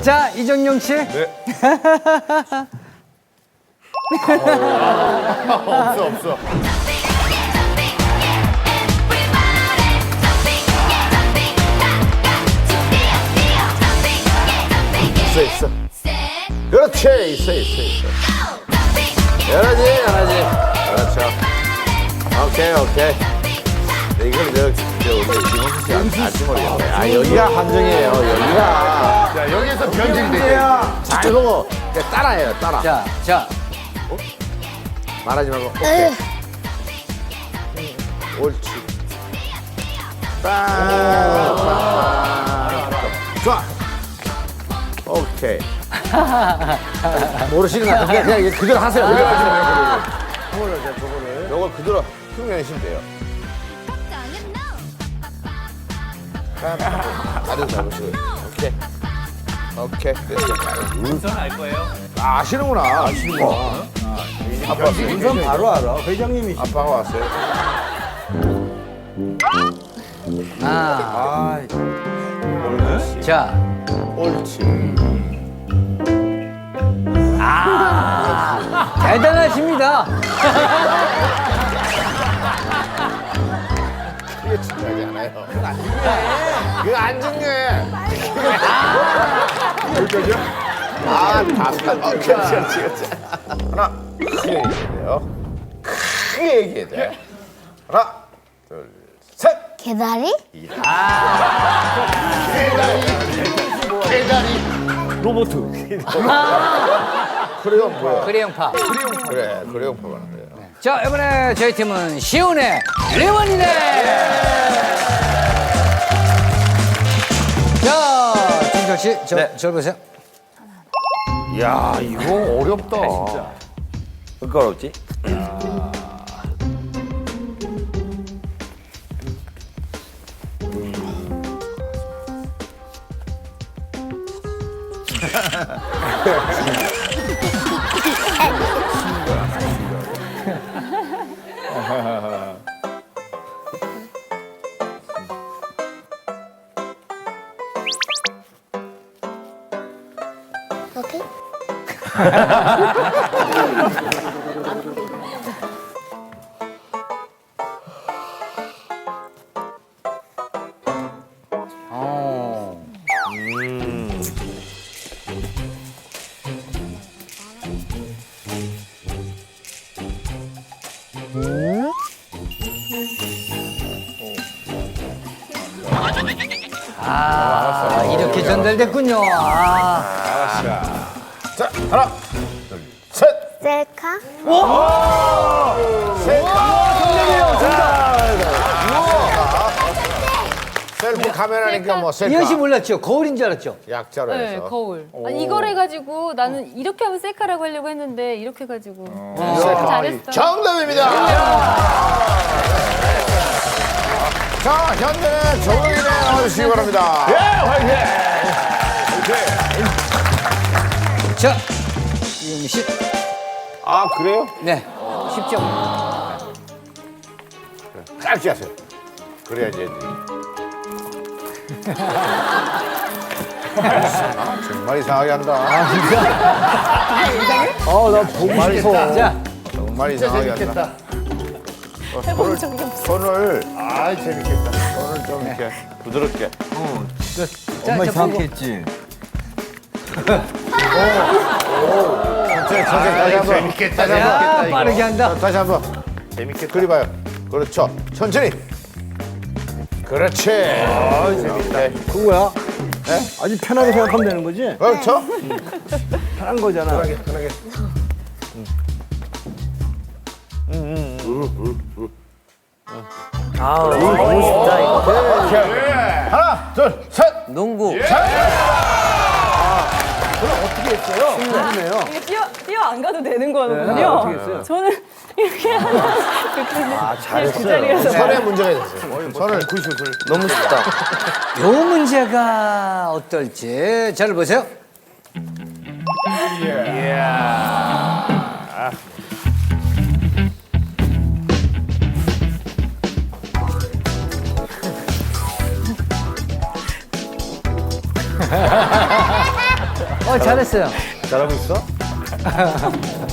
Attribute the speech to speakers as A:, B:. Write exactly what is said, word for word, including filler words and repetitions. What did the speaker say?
A: 자, 이정용 씨.
B: 네. 없어 없어. 있어 있어. 그렇지 있어 있어 있어. 열하지 열하지. 그렇죠. 오케이 오케이. 네, 이걸 저, 저 우리 김홍수 씨가 알지 모르겠네. 아 여기가 함정이에요. 여기가. 자 여기서 변질이 돼요. 잘 보고 따라해요 따라.
A: 자, 자.
B: 어? 말하지 말고. 오케이. 옳지. 빵. 좋아. 오케이. 모르시는 것 같은데 그냥 이거 그대로 하세요. 그대로 하시면 돼요. 저거를 저거를. 요걸 그대로 흉내내시면 돼요. 다른 잡으시고. 오케이. 오케이.
C: 우선 알 거예요.
B: 아, 아시는구나. 아시는구나. 아빠
D: 우선 바로 알아. 회장님이.
B: 아빠가 왔어요.
A: 아.
D: 아,
A: 자.
B: 옳지.
A: 아. 대단하십니다.
B: 그게 중요하지 않아요. 그거 안 중요해. 그거 안 중요해. 여기까지요? 아, 다섯 번. 어, 그렇지, 그렇지, 그렇지. 하나, 크게 얘기해야 돼요. 크게 얘기해야 돼. 하나, 둘, 셋.
E: 개다리?
B: 개다리.
D: 로보트.
B: 크레용 뭐야?
A: 크레용파.
B: 그래, 크레용파 가는 거예요.
A: 자, 이번에 저희 팀은 시온의 레원이네. 자, 김철 씨, 저,
D: 네.
A: 저 보세요.
B: 야, 이거 어렵다.
D: 뭐가 어렵지?
E: 오케이.
A: 어. 아, 이렇게 전달됐군요. 아.
B: 자, 하나, 둘, 셋.
E: 셀카?
B: 셀프 카메라니까 뭐 셀카.
A: 이현 씨 몰랐죠? 거울인 줄 알았죠?
B: 약자로
F: 네,
B: 해서.
F: 거울. 아니, 이걸 해가지고 나는 이렇게 하면 셀카라고 하려고 했는데 이렇게 해가지고.
B: 셀카.
F: 잘했어.
B: 정답입니다. 자, 현대는 조용히네 나와주시기 바랍니다. 예, 화이팅!
A: 자, 이현 씨.
B: 아, 그래요?
A: 네, 쉽죠?
B: 짧게 하세요. 그래야지 애들이. 아, 정말 이상하게 한다.
D: 아, 나 보고 싶어.
A: 자,
B: 정말 이상하게 한다. 어, 손을, 손을, 아 재밌겠다. 손을 좀 이렇게 부드럽게.
A: 자,
D: 엄마
A: 저
D: 이상하게 했지.
B: 천천히, 천천히, 다시 한 번.
C: 재밌겠다.
B: 다시 한 번.
A: 야, 빠르게 한다.
B: 다시 한 번.
C: 재밌겠다.
B: 그리 봐요. 그렇죠. 천천히. 그렇지. 아, 재밌다.
D: 그거야? 네? 아주 편하게 생각하면 되는 거지?
B: 그렇죠?
D: 편한 거잖아.
B: 편하게, 편하게.
D: 아, 너무 쉽다, 이거.
B: 하나, 둘, 셋.
D: 농구.
F: 이게 뛰어, 뛰어 안 가도 되는 거거든요.
D: 네, 어떻게 했어요?
F: 저는 이렇게 하면 이렇게
D: 아,
F: 그
D: 잘했어요.
F: 자리에서.
B: 손에 문제가 있었어요. 손을 구십오 분.
D: 너무 쉽다.
A: 요 문제가 어떨지 잘 보세요. 어, 잘했어요.
B: 잘하고 있어?